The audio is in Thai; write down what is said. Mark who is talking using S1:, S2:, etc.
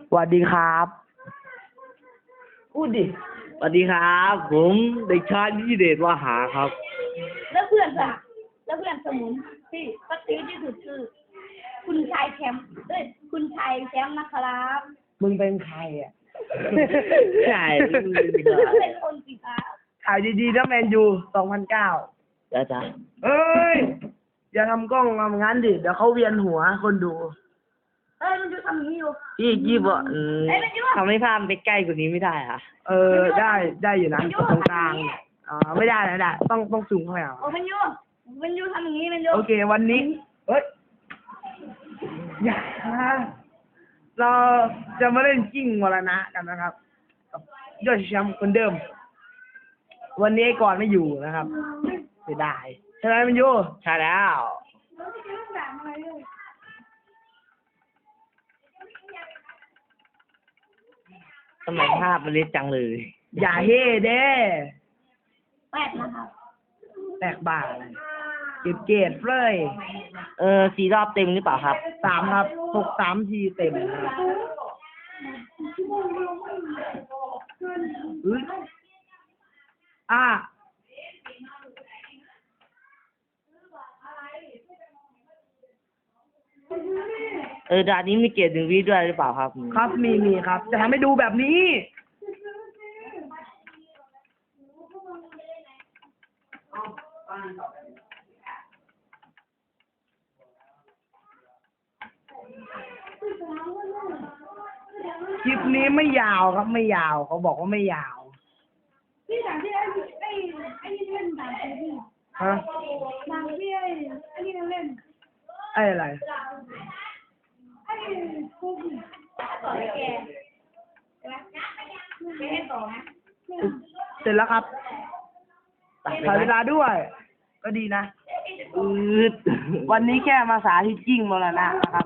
S1: สวัสดีครับพูดดิสวัสดีครับผมเด็กชายนิเดชวาหาครับ
S2: แล้วเพื่อนสมุนที่ปฏิที่สุดคือ คุณชายแชมป์คุณชายแชมป์นะครับ
S1: มึงเป็นใครอ่ะใช่มึงเป็นใคร
S2: เป็นคนสิครับ
S1: ถ่ายดีๆนะแมนยู2009จ้าเอ้ยอย่าทำกล้องทำงั้นดิเดี๋ยวเขาเวียนหัวคนดู
S2: มันจะทำอย่างนี้อยู่
S1: ยี่บ่
S2: ทำให้
S1: ภาพไปใกล้กว่านี้ไม่ได้ค่ะได้อยู่นะตรงกลางไม่ได้ต้องสูงเข้าไป
S2: โอ้มันยูทำอย่างนี้มันยู
S1: โอเควันนี้เฮ้ยอย่าเราจะมาเล่นจิ้งมรณะกันนะครับกับยอดแชมป์คนเดิมวันนี้ก่อนไม่อยู่นะครับเสียดายใช่ไหมมันยูใช่แล้วทำไมภาพมันเล็กจังเลยอย่าเฮ่เด้
S2: แปดนะครับ
S1: แตกบ่าเก็บเกรดเลย4 รอบเต็มหรือเปล่าครับ3ครับ6 3 ทีเต็มด่านนี้มีเกรด1 วิด้วยหรือเปล่าครับครับมีครับจะทำให้ดูแบบนี้คลิปนี้ไม่ยาวครับไม่ยาวเขาบอกว่าไม่ยาว
S2: ที่ด่านที่ไอ้นี่เล่นด่านที่
S1: ฮะ
S2: ด่านที่ไอ้นี่เล่น
S1: อะไร
S2: คุกต่อแกใช่ไหมไม่ให้ต่อนะ
S1: เสร็จแล้วครับถ่ายเวลาด้วยก็ดีนะวันนี้แค่มาสาธิตจริงมาแล้วนะครับ